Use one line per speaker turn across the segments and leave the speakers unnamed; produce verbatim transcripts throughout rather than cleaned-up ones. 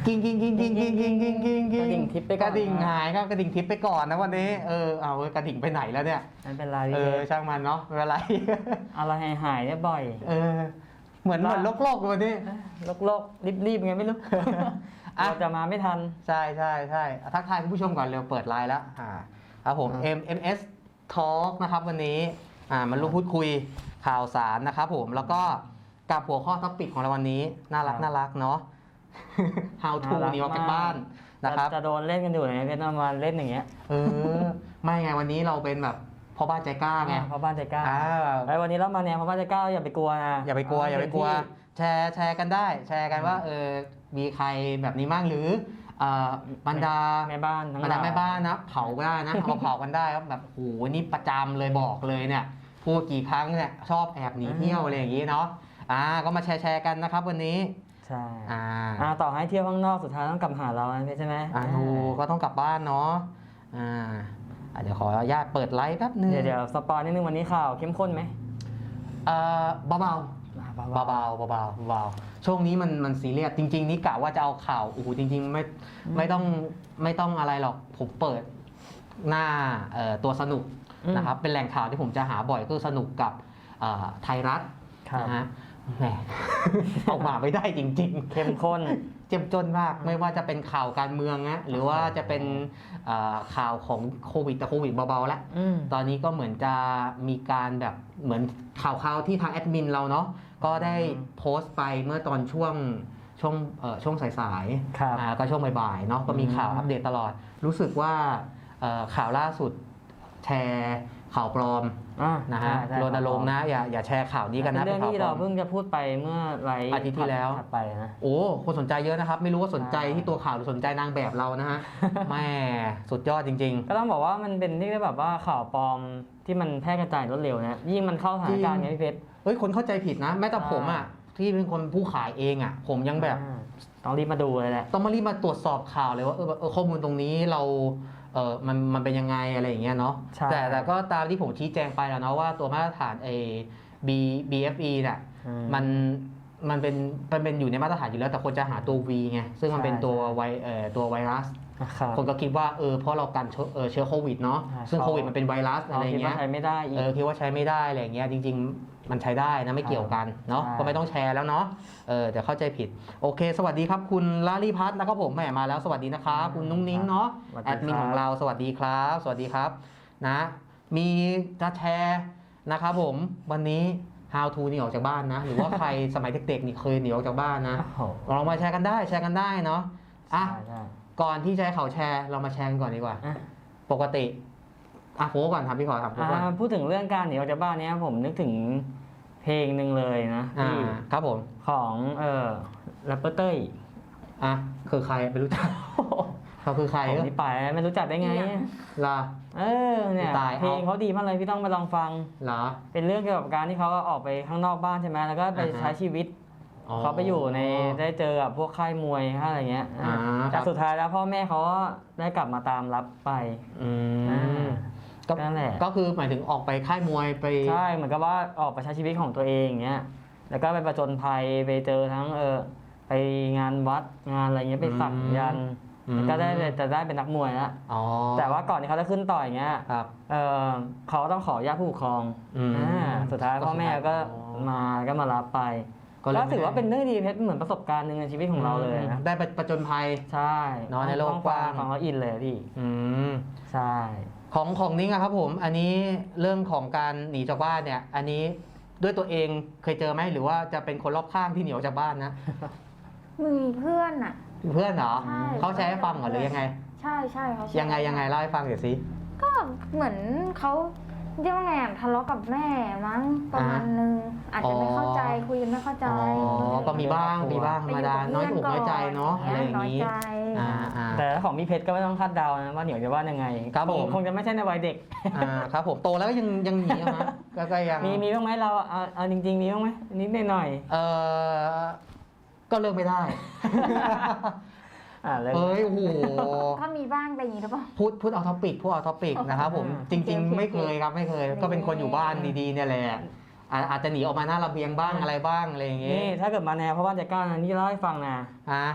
กิ้งกิ้งกิ้งกิ้งกิ้งกิ้งกิ้งกิ้งกิ้ง
กระดิ่งทิปไปก่อน
กระดิ่งหายครับกระดิ่งทิปไปก่อนนะวันนี้เออเอากระดิ่งไปไหนแล้วเนี่ย
ไม่เป็นไร
เอ
พี่
อช่างมันเนาะไม่เป็นไร
อะไรหายหายเนี่ยบ่อย
เออเหมือนเหมือนโลกๆวันนี้
โลกโลกรีบรีบๆไงไม่รู้
อ่ะ
เราจะมาไม่ทัน
ใช่ใช่ใช่ทักทายคุณผู้ชมก่อนเร็วเปิดไลน์แล้วอ่าครับผม
อ่า
เอ็ม เอ็ม เอส Talk นะครับวันนี้อ่ามันร่วมพูดคุยข่าวสารนะครับผมแล้วก็กับหัวข้อท็อปิกของเราวันนี้น่ารักน่ารักเนาะ How to หนีออกจากบ้านนะครับ
จะโดนเล่นกันอยู่ไหนเพชรเอามาเล่นอย่างเงี้ย
เออไม่ไงวันนี้เราเป็นแบบพ่อบ้านใจกล้าไง
เพราะบ้านใจกล้า
อ่า
ไอ้วันนี้เรามาเนี่ยเพราะบ้านใจกล้าอย่าไปกลัวนะ
อย่าไปกลัวอย่าไปกลัว
ที่
แชร์แชร์กันได้ แชร์กันว่าเออมีใครแบบนี้บ้างหรือเอ่อบรรดา
แม่บ้านทั้ง
บรรดา
หลย
แม่บ้านนะเผาก็ได้นะ เอามาเผากันได้ครับแบบโอ้โหนี่ประจำเลยบอกเลยเนี่ยพูดกี่ครั้งเนี่ยชอบแอบหนีเที่ยวอะไรอย่างนี้เนาะอ่าก็มาแชร์แชร์กันนะครับวันนี้
ใช่
อ่า
อ่าต่อให้เที่ยวข้างนอกสุดท้ายต้องกลับมาหาเราใช่ไหม
อ่าดูก็ต้องกลับบ้านเนาะอ่าอ่ะเดี๋ยวขออนุญาตเปิดไลฟ์แป๊บนึง
เดี๋ยวเดี๋ยวสปอยนิดนึงวันนี้ข่าวเข้มข้นไหม
เอ่อเบาๆ
อ่า
เบาๆเบาๆเบาๆเบาๆช่วงนี้มันมันซีเรียสจริงๆนี่กะว่าจะเอาข่าวโอ้โหจริงๆไม่ไม่ต้องไม่ต้องอะไรหรอกผมเปิดหน้าเอ่อตัวสนุกนะครับเป็นแหล่งข่าวที่ผมจะหาบ่อยก็สนุกกับเอ่อไทยรัฐ
ครับ
นะฮะแหม ออกมาไม่ได้จริงๆ
เข้มข้น
เจ็บจนมากไม่ว่าจะเป็นข่าวการเมืองนะหรือว่าจะเป็นเอ่อข่าวของโควิดแต่โควิดเบาๆแล้ว
อืม
ตอนนี้ก็เหมือนจะมีการแบบเหมือนข่าวๆที่ทางแอดมินเราเนาะก็ได้
อืม
โพสต์ไปเมื่อตอนช่วงช่วงเอ่อช่วงสาย
ครับ
ๆอ่าก็ช่วงบ่ายๆเนาะก็มีข่าว
อืม
อัปเดตตลอด รู้สึกว่าเอ่อข่าวล่าสุดแชร์ข่าวปลอม
อ่า
นะฮะ
ใช่ใช่
รณรงค์นะอย่าอย่าแชร์ข่าวนี้กันนะ
เป็นเรื่อง
ข่าว
ที่
ปล
เรา
อม
เพิ่งจะพูดไปเมื่อไลฟ์
อาทิตย์ที่แล้ว
ถัดไปนะ
โอ้คนสนใจเยอะนะครับ ไม่รู้ว่าสนใจ
ใช่
ที่ตัวข่าวหรือสนใจนางแบบเรานะฮ ะ แม่สุดยอดจริง
ก็ต้องบอกว่ามันเป็นที่แบบว่าข่าวปลอมที่มันแพร่กระจายรวดเร็วนะยิ่งมันเข้าสถานการณ์ไงพี่เพชร
ๆเฮ้ยคนเข้าใจผิดนะ แม้แต่
ใช่
ผมอ่ะที่เป็นคนผู้ขายเองอ่ะ ผมยังแบบ
อ่าต้องรีบมาดูเลยแหละ
ต้องมารีบมาตรวจสอบข่าวเลยว่าเออเออข้อมูลตรงนี้เราเออมันมันเป็นยังไงอะไรอย่างเงี้ยเนาะ
ใช่
แต่แต่ก็ตามที่ผมชี้แจงไปแล้วเนาะว่าตัวมาตรฐานเอ B บี เอฟ อี เนี่ย
อื
มันมันเป็นมันเป็นอยู่ในมาตรฐานอยู่แล้วแต่คนจะหาตัว V ไงซึ่งมันเป็นตัวไวเอ่อตัวไวรัส
นะครับ
คนก็คิดว่าเออเพราะเรากันเชื้อเออเชื้อโควิดเนาะ
ใช่
ซึ่ง
เขา
โควิดมันเป็นไวรัสอะไร
เราคิด
เงี้
ว่าย ใช้ไม่ได้อีก
เออคิดว่าใช้ไม่ได้อะไรเงี้ยจริง ๆ มันใช้ได้นะไม่เกี่ยวกันเนาะ
ใช่
ก็ไม่ต้องแชร์แล้วเนาะเออเดี๋ยวเข้าใจผิดโอเค สวัสดีครับคุณลาลีพัฒน์นะครับผมแหมมาแล้วสวัสดีนะครับคุณนุ้งนิ้งเนาะ
สวัสดี
แอดมิน
ครับ
ของเราสวัสดีครับ สวัสดีครับนะมีจะแชร์นะครับผมวันนี้ how to หนีออกจากบ้านนะ หรือว่าใคร สมัยเด็กๆนี่เคยหนีออกจากบ้านนะ
โอ้โห
ลองมาแชร์กันได้แชร์กันได้เนาะอ่ะ
ใช่ใช่
ก่อนที่จะให้เขาแชร์เรามาแชร์กันก่อนดีกว่า
อ่ะ
ปกติอ่ะโฟก่อนครับพี่ขอถามโฟก่อน
อ่าพูดถึงเรื่องการหนีออกจากบ้านเนี้ยผมนึกถึงเพลงหนึ่งเลยนะ
อ่า
ที่
ครับผม
ของเอ่อแรปเปอร์เต้ย
อ่ะคือใครไม่รู้จัก เขาคือใคร
ผม
เออ
นี่ไปไม่รู้จักได้ไง
ล่ะ
เออเนี่ย
ตายเอา
เพลงเขาดีมากเลยพี่ต้องไปลองฟัง
เหรอ
เป็นเรื่องเกี่ยวกับการที่เขาออกไปข้างนอกบ้านใช่ไหมแล้วก็ไป
อ่าฮะ
ใช้ชีวิต เขาไปอยู่ในได้เจอกับพวกค่ายมวยค่ายอะไรเงี้ย
อ่า
แต่
ครับ
สุดท้ายแล้วพ่อแม่เขาก็ได้กลับมาตามรับไป
อื
อ่าม
ก็
นั่นแหละ
ก็คือหมายถึงออกไปค่ายมวยไป
ใช่เหมือนกับว่าออกไปใช้ชีวิตของตัวเองอย่างเงี้ยแล้วก็ไปประจนภัยไปเจอทั้งเออไปงานวัดงานอะไรเงี้ยไปสักยันต์
อืม
แล้วก็ได้จะได้เป็นนักมวยแล้ว
อ๋อ
แต่ว่าก่อนที่เขาจะขึ้นต่อยอย่างเงี้ย
ครับ
เออเขาต้องขออนุญาตผู้ปกครอง
อืม
อ่าสุดท้ายพ่อแม่ก็
อ๋อ
มาก็มารับไป
ก็เลย
ก็ถือว่า
ไม่ได้
เป็นเรื่องดีเพชรเหมือนประสบการณ์หนึ่งในชีวิตของเราเลยนะ
ได้ไปประจนภัย
ใช่
เนอะในโลก
ต้อง
กว้าง
ฟังแล้วอินเลยพี่
อืม
ใช่
ของของนิ้งอะครับผม อันนี้เรื่องของการหนีจากบ้านเนี่ย อันนี้ด้วยตัวเองเคยเจอไหมหรือว่าจะเป็นคนรอบข้างที่หนีออกจากบ้านนะ
มีเพื่อนอ่ะ
เพื่อนเหรอ
ใช่
เขาแชร์ให้ฟังเหรอหรือยังไง
ใช่ใช่เขาแชร์
ยังไงยังไงเล่าให้ฟังเดี๋ยวสิ
ก็เหมือนเขาเรียกว่าไงอะทะเลาะกับแม่มั้งประมาณนึงอาจจะไม่เข้าใจคุยกันไม่เข้าใจ
อ๋อ ก็มีบ้างมีบ้างธรรมดาน้อยอกน้อยใจเนาะอะไรอย่าง
น้อย
นี้
ใจ
อ่าอ่า
แต่ของพี่เพชรก็ไม่ต้องคาดเดานะว่าเหนียวจะว่ายังไง
ครับผม
งคงจะไม่ใช่ในวัยเด็ก
อ่าครับผมโตแล้วก็ยังยังหนีอะฮะก็ก็ยัง
มีมีบ้างไหมเราเอาเอาจริง ๆ มีบ้างไหมนิดหน่อย
เออก็เลิกไม่ได้
ๆอ่าเลย
เฮ้ยโอ้โห
ก็มีบ้างแต่อย่างนี้หรือเปล่า
พูดพูดเอาท็อปิกพูดเอาท็อปิกนะครับผม
อ่า
จริง
โอเค
ๆ ไม่เคยครับไม่เคย ก็เป็นคนอยู่บ้านดีๆเนี่ยแหละอาอาจจะหนีออกมาหน้าระเบียงบ้างอะไรบ้างอะไรอย่างเงี้
นี่
ย
ถ้าเกิดมาแนวเพราะว่าจะกล้านะนี่เล่าให้ฟังนะ
ฮะ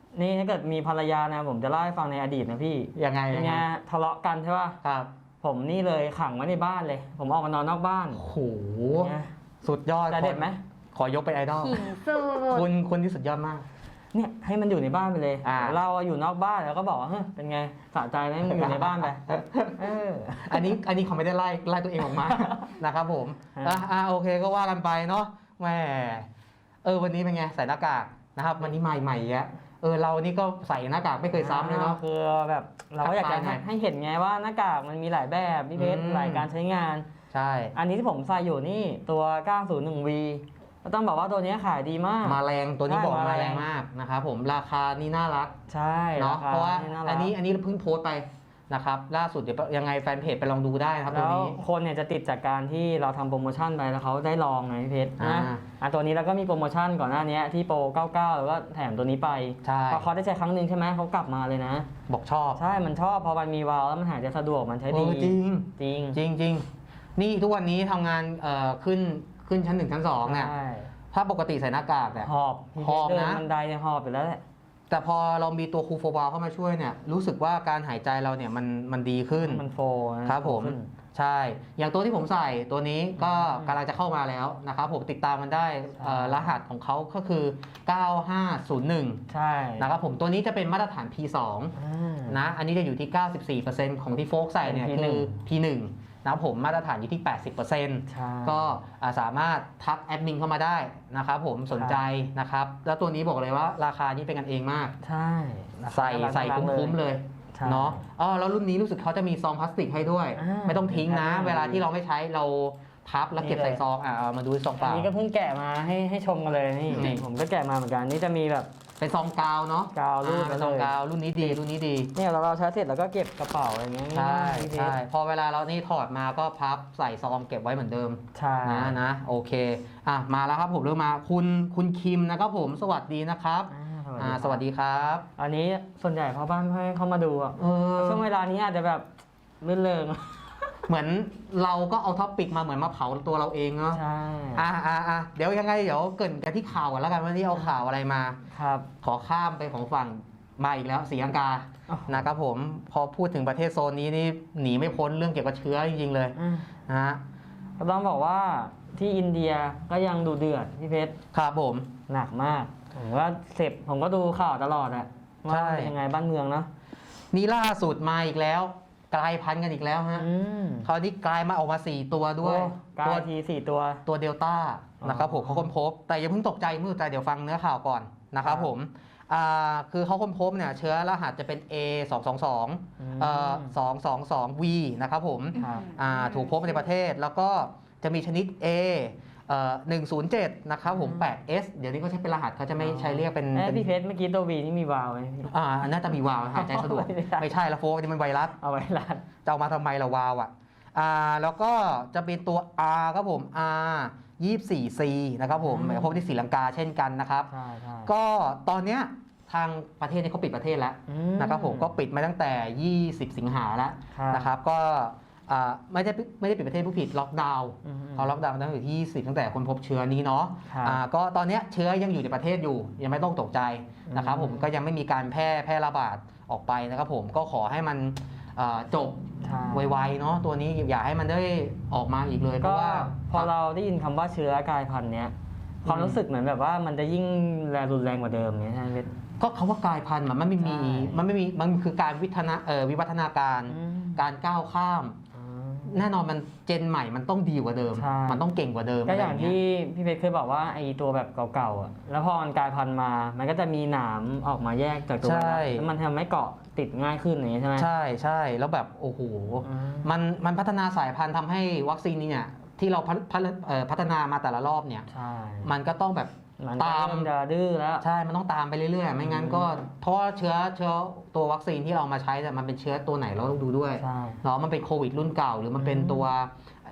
นี่ถ้าเกิดมีภรรยานะผมจะเล่าให้ฟังในอดีตนะพี่
ยังไง
เป็นไงทะเลาะกันใช่ป่ะ
ครับ
ผมนี่เลยขังไว้ในบ้านเลย ผมออกมานอนนอกบ้าน
โอ้โห
เนี่ย
สุดยอด
แต่เด็ดไหม
ขอยกเป็นไอดอล
หินสุด
คุณคุณที่สุดยอดมาก
เนี่ยให้มันอยู่ในบ้านไปเลย
อ่า
เราอยู่นอกบ้านแล้วก็บอกว่าเฮ้ยเป็นไงสะใจไหมมันอยู่ในบ้านไปเออ
อันนี้อันนี้เขาไม่ได้ไล่ไล่ตัวเองออกมา นะครับผม
ฮะ
อ่ะอ่ะโอเคก็ว่ากันไปเนาะแหมเออวันนี้เป็นไงใส่หน้ากากนะครับวันนี้ใหม่ใหม่ๆอ่ะเออเรานี่ก็ใส่หน้ากากไม่เคยซ้ำเลยเนาะ
คือแบบเราก็อยากจะ
ทักทายหน่อย
ให้เห็นไงว่าหน้ากากมันมีหลายแบบพี่เพชร
อืม
หลายการใช้งาน
ใช่
อันนี้ที่ผมใส่อยู่นี่ตัว เก้าศูนย์หนึ่งวี ก็ต้องบอกว่าตัวนี้ขายดีมาก
มาแรงตัวนี้
ใช่
บอกมา
มา
แร
แรง
งมากนะครับผมราคานี่น่ารัก
ใช่
เนาะ
ค
เพราะว่า
น่รัก
อันนี้อันนี้เพิ่งโพสต์ไปนะครับล่าสุดเดี๋ยวยังไงแฟนเพจไปลองดูได้นะครับตัว
แล้ว
นี้
คนเนี่ยจะติดจากการที่เราทำโปรโมชั่นไปแล้วเขาได้ลองไงพี่เพชร
อ่า
นะอ่ะตัวนี้เราก็มีโปรโมชั่นก่อนหน้านี้ที่โปรเก้าสิบเก้าแล้วก็แถมตัวนี้ไป
ใช่
พอเขาได้ใช้ครั้งหนึ่งใช่ไหมเขากลับมาเลยนะ
บอกชอบ
ใช่มันชอบพอมันมีวาล์วแล้วมันหายใจสะดวกมันใช้
เอ
ดี
อจริง
จริง
จริงจริงนี่ทุกวันนี้ทำงานเอ่อขึ้นขึ้นชั้นหนึ่งชั้นสองเนี่ย
ใช่
ถ้าปกติใส่หน้ากากเนี่ย
หอบพี่
หอบ
เพชรเดิ
นะ
นบันไดเนี่ยหอบอยู่แล้วแหละ
แต่พอเรามีตัวคูลโฟบาลเข้ามาช่วยเนี่ยรู้สึกว่าการหายใจเราเนี่ยมันมันดีขึ้น
มันโฟนะครับ
ผม
ขึ้น
ใช่ อย่างตัวที่ผมใส่ตัวนี้ก็
อืม
กำลังจะเข้ามาแล้วนะครับผมติดตามมันได้เอ่อรหัสของเขาก็คือ เก้าห้าศูนย์หนึ่ง
ใช่
นะครับผมตัวนี้จะเป็นมาตรฐาน พี สอง
อ่า
นะอันนี้จะอยู่ที่ เก้าสิบสี่เปอร์เซ็นต์ ของที่โฟกใส่เนี่ย
เป็น
คือ
พี
พี หนึ่ง นะครับผมมาตรฐานอยู่ที่ แปดสิบเปอร์เซ็นต์
ใช่
ก็อ่าสามารถทักแอดมินเข้ามาได้นะครับผมสนใจนะครับแล้วตัวนี้บอกเลยว่าราคานี้เป็นกันเองมาก
ใช่ราคา
ใส่
น่ารัก
ใส่
น่ารัก
คุ้มๆเลย
ใช่
เนาะอ๋อแล้วรุ่นนี้รู้สึกเขาจะมีซองพลาสติกให้ด้วย
อ่า
ไม่ต้องทิ้งนะ
มีให้
เวลาที่เราไม่ใช้เราพับแล้วเก็บ
นี่เลย
ใส่ซองอ่ะเอามาดูซองเป
อัน
ล่า
นี้ก็เพิ่งแกะมาให้ให้ชมกันเลยนี่
นี่
ผมก็แกะมาเหมือนกันนี่จะมีแบบ
เป็นซองกาวเนาะ
กาวรูด
อ่าเป็นซอง
เลย
กาวรุ่นนี้ดีรุ่นนี้ดี
เนี่ยเราเราใช้เสร็จแล้วก็เก็บกระเป๋าอะไรเงี้ย
ใช่
ง่ายๆพี่เพชร
ใช่พอเวลาเรานี่ถอดมาก็พับใส่ซองเก็บไว้เหมือนเดิม
ใช่
นะนะโอเคอ่ะมาแล้วครับผมเริ่มมาคุณคุณคิมนะครับผมสวัสดีนะครับ
อ่า
อ่าสวัสดีครับ
อันนี้ส่วนใหญ่พ่อบ้านไม่ให้เข้ามาดูอ่ะ
เออ
ช่วงเวลานี้อาจจะแบบลื่นเริง
เหมือนเราก็เอาท็อปปิกมาเหมือนมาเผาตัวเราเองเนาะ
ใช่
อ่าอ่าอ่าเดี๋ยวยังไงเดี๋ยวเกรินกันที่ข่าวกันแล้วกันว่าที่เอาข่าวอะไรมา
ครับ
ขอข้ามไปของฝั่งมาอีกแล้วศรีลังกา
อ๋อ
นะครับผมพอพูดถึงประเทศโซนนี้นี่หนีไม่พ้นเรื่องเกี่ยวกับเชื้อจริงๆเลย
อืม
นะฮะ
ก็ต้องบอกว่าที่อินเดียก็ยังดูเดือดพี่เพชร
ครับผม
หนักมากผมว่าเสพผมก็ดูข่าวตลอดอะว่า
ใช่
เป็นยังไงบ้านเมืองเนาะ
นี่ล่าสุดมาอีกแล้ว กลายพันธุ์กันอีกแล้วฮะ
อืม
คราวนี้กลายมาออกมาสี่ตัวด้วย
โอ้กลา
ตัวย
ทีสี่ตัว
ตัวเดลต้า
อ๋อ
นะครับผมเขาค้นพบ แต่อย่าเพิ่งตกใจมือใจเดี๋ยวฟังเนื้อข่าวก่อนนะครับ
ครับ
ผมอ่าคือเขาค้นพบเนี่ยเชื้อรหัสจะเป็น เอ สองสองสอง
ม
เอ่อสองสองสอง วี นะครับผม
ครับ
อ่าถูกพบในประเทศแล้วก็จะมีชนิด A เอ่อหนึ่งศูนย์เจ็ดนะครับผม
อืม
แปด เอส เดี๋ยวนี้ก็ใช้เป็นรหัสเขาจะไม่ใช้เรียกเป็น
เอ้ย
เป็น
พี่เพชรเมื่อกี้ตัววีนี่มีวาล์วไหมพี่
อ่าน่าจะมีวาล์วหายใจสะดวก
ไม่ใช่
ไม่ใช่ละโฟกนี่มันไวรัส
เอาไว้ร้าน
จะเอามาทำไมละวาล์วอ่ะอ่าแล้วก็จะเป็นตัว R ครับผม R ยี่สิบสี่ ซี นะครับผมพบที่ศรีลังกาเช่นกันนะครับ
ใช่ใช่
ก็ตอนเนี้ยทางประเทศนี้เขาปิดประเทศแล้ว
อื
นะครับผมก็ปิดมาตั้งแต่ ยี่สิบ สิงหาแล้ว
ครับ
นะครับก็อ่าไม่ได้ไม่ได้ปิดประเทศผู้ผิดล็อกดาวน์
อืม
เขาล็อกดาวน์ตั้งแต่ที่ยี่สิบตั้งแต่คนพบเชื้อนี้เนาะ
ครับ
อ่าก็ตอนเนี้ยเชื้อยังอยู่ในประเทศอยู่ ยังไม่ต้องตกใจนะครับ
อืม
ผมก็ยังไม่มีการแพร่แพร่ระบาดออกไปนะครับผมก็ขอให้มันอ่าจบ
ใช่
ไวๆเนาะตัวนี้อย่าให้มันได้ออกมาอีกเลยเพ
ก็
ราะว่า
พอเราได้ยินคำว่าเชื้อกลายพันธุ์เนี้ยความรู้สึกเหมือนแบบว่ามันจะยิ่งแรงรุนแรงกว่าเดิมเนี้ยใช่ไหมเพชร
ก็คำว่ากลายพันธุ์มันไม่มี
ใช่
มันไม่มีมันคือการวิทนาเอ่อวิวัฒนาการ
อืม
การก้าวข้าม
อืม
แน่นอนมันเจนใหม่มันต้องดีกว่าเดิม
ใช่
มันต้องเก่งกว่าเดิม
ก็อย่าง
ะไรเ
ที่พี่เพชรเคยบอกว่าไอ้ตัวแบบเก่าๆอ่ะแล้วพอมันกลายพันธุ์มา มันก็จะมีหนามออกมาแยกจากตัว
ใช่
แล้วมันทำให้เกาะติดง่ายขึ้นอย่างนี้ใช่ไหม
ใช่ใช่แล้วแบบโอ้โห
อืม
มันมันพัฒนาสายพันธุ์ทำให้วัคซีนนี้เนี่ยที่เราพัฒพัฒเอ่อพัฒนามาแต่ละรอบเนี่ย
ใช่
มันก็ต้องแบบ
มัน
ตาม
เริ่จะดื้อแล้ว
ใช่มันต้องตามไปเรื่อยๆ ไม่งั้นก็
อืม
เพราะว่าเชื้อเชื้อตัววัคซีนที่เรามาใช้แต่ยมันเป็นเชื้อตัวไหนเราต้องดูด้วย
ใช่
เนาะมันเป็นโควิดรุ่นเก่า หรือมันเป็น
อืม
ตัว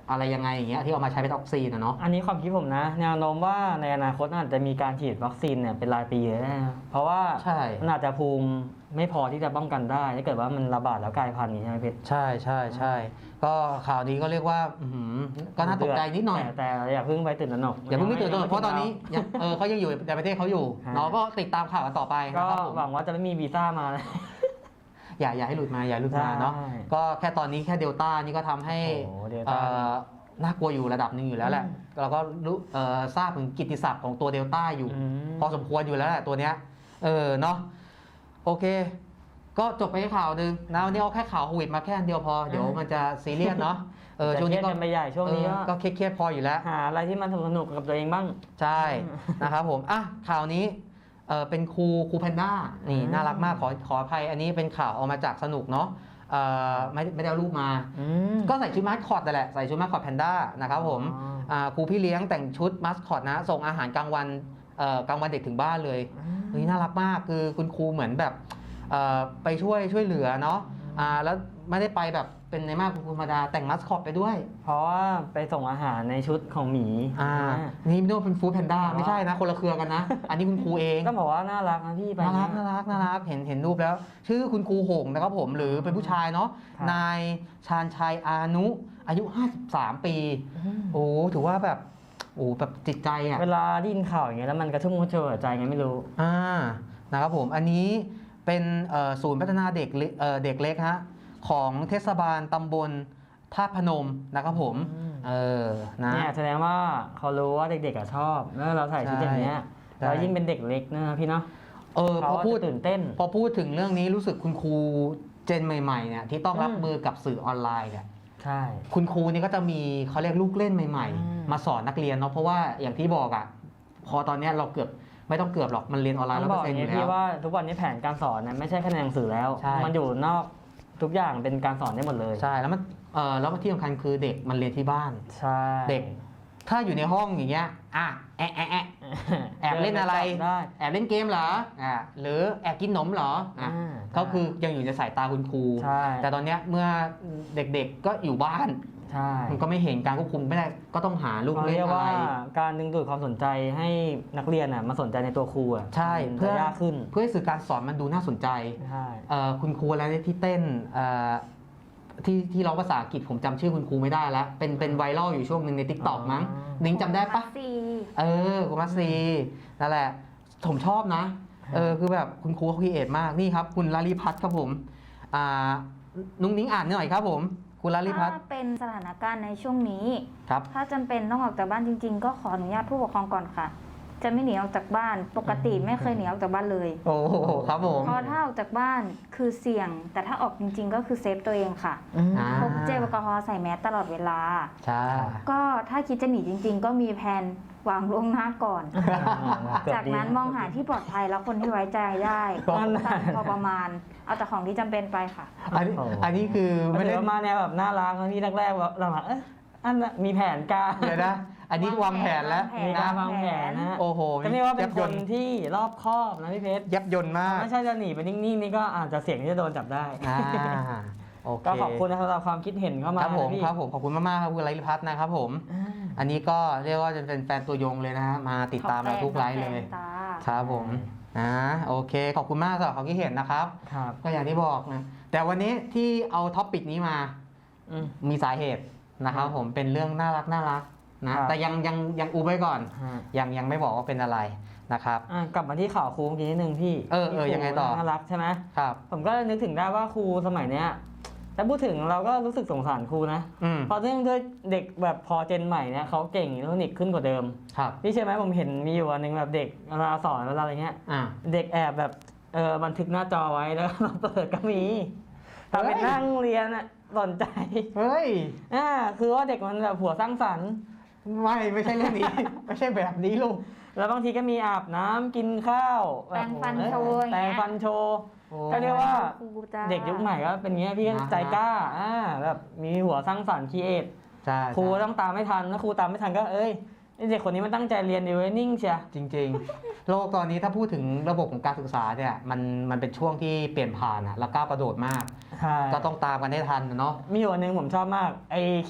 อะไรยังไงอย่างเงี้ยที่เอามาใช้เป็นวัคซีนนะเนาะ
อันนี้ความคิดผมนะ แนวโน้มว่าในอนาคตอาจจะมีการฉีดวัคซีนเนี่ยเป็นรายปีเลยนะเพราะว่า
ใช่
มันอาจจะภูมิไม่พอที่จะป้องกันได้ถ้าเกิดว่ามันระบาดแล้วกลายพันธุ์อย่างนี้ใช่ไหมเพชร
ใช่ใช่ใช่ก็ข่าวนี้ก็เรียกว่าอื้อหือก็น่าตกใจนิดหน่อย
แต่แต่อย่าเพิ่งไปตื่นตระหนก
อย่าเพิ่งไม่ตื่นตัวเพราะตอนนี้ยังเออเขายังอยู่ในประเทศเขาอยู่
ฮะ
เนาะก็ติดตามข่าวกันต่อไป
ก็
นะครับผม
หวังว่าจะไม่มีวีซ่ามานะ
อย่าอย่าให้หลุดมาอย่าหลุดมาเนาะ
ใช่
ก็แค่ตอนนี้แค่เดลต้านี่ก็ทำให้
โอ้โหเดล
เอ่
ต้า
อน่ากลัวอยู่ระดับหนึ่งอยู่แล้วแหละ
อืม
เราก็รู้เอ่อทราบถึงกิตติศัพท์ของตัวเดลต้าอยู่
อืม
พอสมควรอยู่แล้วแหละตัวเนี้ยเออเนาะโอเค ก็จบไปแค่ข่าวหนึ่งนะวันนี้เอาแค่ข่าวโควิดมาแค่อันเดียวพอเดี๋ยวมันจะซีเรียสเนาะเออ
แต่
ช่วง
เครี
นี้
ยด
ก็
กันไปใหญ่ช่วงนี้
เออก็
ก็
เครียดๆพออยู่แล้ว
หาอะไรที่มันสนุกๆกับตัวเองบ้าง
ใช่นะครับผมอ่ะข่าวนี้เออเป็นครูครูแพนด้านี่
อืม
น่ารักมากขอขออภัยอันนี้เป็นข่าวเอามาจากสนุกเนาะเออไม่ไม่ได้เอารูปมา
อืม
ก็ใส่ชุดมาสคอตแต่นแหละใส่ชุดมาสคอตแพนด้านะครับผม
อ๋อ
อ่าครูพี่เลี้ยงแต่งชุดมาสคอตนะส่งอาหารกลางวันเอ่อกลางวันเด็กถึงบ้านเลยเฮ้ยน่ารักมากคือคุณครูเหมือนแบบเอ่อไปช่วยช่วยเหลือเนาะอ่าแล้วไม่ได้ไปแบบเป็นในมากคุณครูธรรมดาแต่งมาสคอตไปด้วย
เพราะว่าไปส่งอาหารในชุดของหมี
อ่า
อ่า
นี่ไม่รู้ว่าเป็นฟู้ดแพนด้า
อ๋อ
ไม่ใช่นะคนละเครือกันนะ อันนี้คุณครูเอง
ก็บอกว่าน่ารักนะพี่ไป
น่ารัก
เนี่ย
น่ารักน่ารักเห็นเห็นรูปแล้ว ชื่อคุณครูหงนะครับผมหรือเป็นผู้ชายเนาะ
ครับ
นายชาญชัยอานุอายุ ห้าสิบสาม ปี
อืม
โอ้ถือว่าแบบโอ้แบบจิตใจอ่ะ
เวลาได้ยินข่าวอย่างเงี้ยแล้วมันกระชุ่มกระชวยหัวใจไงไม่รู้
อ่านะครับผมอันนี้เป็นเอ่อศูนย์พัฒนาเด็กเล็กเอ่อเด็กเล็กฮะของเทศบาลตำบลท่าตุพนมนะครับผม
อืม
เออนะ
เนี่ยแสดงว่าเขารู้ว่าเด็กๆอะชอบแล้วเราใส่ชุดอย่างเงี้ย
ใช่
เรายิ่งเป็นเด็กเล็กนะพี่เนาะ
เออพ
เขา
อ
ก็
พูด
จะตื่นเต้น
พอพูดถึงเรื่องนี้รู้สึกคุณครูเจนใหม่ๆเนี่ยที่ต้องรับ
อืม
มือกับสื่อออนไลน์เนี่ย
ใช่
คุณครูนี่ก็จะมีเขาเรียกลูกเล่นใหม่
อืม
ๆ มาสอนนักเรียนเนาะเพราะว่าอย่างที่บอกอ่ะพอตอนเนี้ยเราเกือบไม่ต้องเกือบหรอกมันเรียนออนไลน์
ต้
ร้
อ
อง ย
บ
เป
อ
อก ร์
อ
เซ็นต์
ย่า
อง ยู่แล้ว
นี้พี่ว่าทุกวันนี้แผนการสอนเนี่ยไม่ใช่แค่ในหนังสือแล้ว
ใช่
มันอยู่นอกทุกอย่างเป็นการสอนได้หมดเลย
ใช่แล้วมันเออแล้วที่สำคัญคือเด็กมันเรียนที่บ้าน
ใช่
เด็ก ถ้าอยู่ในห้องอย่างเงี้ยอ่ะแอะแอะแอะแอบเล่นอะไร
ได้
แอบเล่นเกมเหรออ่ะหรือแอบกินขนมเหรออ่ะ
อ่า
ก็คือยังอยู่ในสายตาคุณครู
ใช่
แต่ตอนเนี้ยเมื่อเด็กๆก็อยู่บ้าน
ใช่
มันก็ไม่เห็นการควบคุมไม่ได้ก็ต้องหาลูก
เขา
เล่น
เรียก
อะไร
ว่าการดึงดูดความสนใจให้นักเรียนอ่ะมาสนใจในตัวครูอ่ะ
ใช่
มัน
เพื่
จะ
อ
ยากขึ้น
เพื่อให้สื่อการสอนมันดูน่าสนใจ
ใช่
เอ่อคุณครูอะไรที่เต้นเอ่อที่ที่ร้องภาษาอังกฤษผมจำชื่อคุณครูไม่ได้แล้ว เป็นเป็นไวรัลอยู่ช่วงหนึ่งใน t ิ k t o k มั้งนิ้งจำได้ปะ
ซี
เออคุณมัสซีนั่นแหละ ผมชอบนะ เออคือแบบคุณครูเขาครีเอทมากนี่ครับ คุณลาลีพัฒน์ครับผมอ่านุ้งนิ้งอ่านหน่อยครับผม คุณลาลีพัฒน์
ถ้าเป็นสถานการณ์ในช่วงนี้
ครับ
ถ้าจำเป็นต้องออกจากบ้านจริง ๆ ก็ขออนุญาตผู้ปกครองก่อนค่ะ จะไม่หนีออกจากบ้าน ปกติไม่เคยหนีออกจากบ้านเลย
โอ้โหครับผม
เพราะถ้าออกจากบ้านคือเสี่ยง แต่ถ้าออกจริง ๆ ก็คือเซฟตัวเองค่ะ
อืม
อ่า
พกเจลแอลกอฮอล์ใส่แมสตลอดเวลา
ใช่
ก็ถ้าคิดจะหนีจริง ๆ ก็มีแผนวางล่วงหน้าก่อน
เกือบ
จาก
ดี
นั้นมองหาที่ปลอดภัยแล้วคนที่ไว้ใจได้
ก็
สั่งพอประมาณ เอาแต่ของที่จำเป็นไปค่ะ
อันนี้
โอ้โห
อันนี้คือ
ไม่
ไม่
ได้
ได้
มาแนวแบบน่ารักนะพี่แรกๆว่าหลังๆเอ๊ะอันน่ะมีแผนการ
เดี๋ยวนะ อันนี้วางแผนแล้ว
มีการ
นะ
วางแผนนะ
โอ้โห
ก็เรียกว่าเป็น
ยับ
ค
ย
น
นต์
ที่รอบคอบนะพี่เพชร
ยับยนต์มาก
ไม่ใช่จะหนีไปนิ่งๆนี่ก็อาจจะเสี่ยงที่จะโดนจับได้
อ่าโอเค
ก็ขอบคุณนะสำหรับความคิดเห็นเข้ามา
ครับผม
นะพี่
ครับผมขอบคุณมากๆครับคุณไลฟ์พัฒน์นะครับผม
อ่า
อันนี้ก็เรียกว่าจะเป็นแฟนตัวยงเลยนะฮะมาติดตามเราทุกไลฟ์เลย
ตา
ครับผมนะโอเค ขอบคุณมากสำหรับความคิดเห็นนะครับ
ครับ
ก็อย่างที่บอกนะแต่วันนี้ที่เอาท็อปปิกนี้มา
อืม
มีสาเหตุนะครับ
อืม
ผมเป็นเรื่องน่ารักน่ารักนะครับ แต่ยังยังยังอูไว้ก่อน
ฮะ
ยังยังไม่บอกว่าเป็นอะไรนะครับ
อ่ะกลับมาที่ข่าวครูเมื่อกี้นิดนึงพี่
เออเออ
ที่ครู
ยังไงต่อ
น่ารักใช่ไหม
ครับ
ผมก็นึกถึงได้ว่าครูสมัยเนี้ยแต่พูดถึงเราก็รู้สึกสงสารครูนะ
อืม
เพราะเนื่องด้วยเด็กแบบพอเจนใหม่เนี่ยเขาเก่งอิเล็กทรอนิกส์ขึ้นกว่าเดิม
ครับ
พี่เชื่อไหมผมเห็นมีอยู่วันหนึ่งแบบเด็กเวลาสอนเวลาอะไรเงี้ย
อ่า
เด็กแอบแบบเออบันทึกหน้าจอไว้แล้ว เราเปิดก็มีทำเป็น
เฮ้ย
นั่งเรียนอ่ะสนใจ
เฮ้ย
อ่าคือว่าเด็กมันแบบหัวสร้างสรรค์
ไม่ไม่ใช่เรื่องนี้ ไม่ใช่แบบนี้ลูก
แล้วบางทีก็มีอาบน้ำกินข้าวบบ
แปรงฟัน
เออ
โชว์อย่าง
แปร
เงี้
ง
ย
ฟันโชว์
โอ้
ก็เรียกว่า
ครูจ้า
เด็กยุคใหม่ก็เป็นอย่างเงี้ยพี่ก็
นะ
ใจกล้าอ่าแบบมีหัวสร้างสรรค์คิดเอท
ใช่
ครู
ใช่
ต้องตามไม่ทันถ้าครูตามไม่ทันก็เอ้ยไอ้เด็กคนนี้มันตั้งใจเรียนดีเว้ยนิ่งเชีย
จริงๆ โลกตอนนี้ถ้าพูดถึงระบบของการศึกษาเนี่ยมันมันเป็นช่วงที่เปลี่ยนผ่านอะแล้วก้าวกระโดดมาก
ใช่
ก็ต้องตามกันให้ทันนะเนาะ
มีอยู่วันหนึ่งผมชอบมากไอคลิป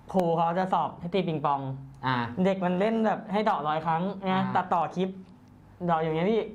ครูเขาจะสอบให้ตีปิงปอง
อ่า
เด็กมันเล่นแบบให้เดาะร้อยครั้งนะ
อ่า
ตัดต่อคลิปเดาะอย่างเงี้ยพี่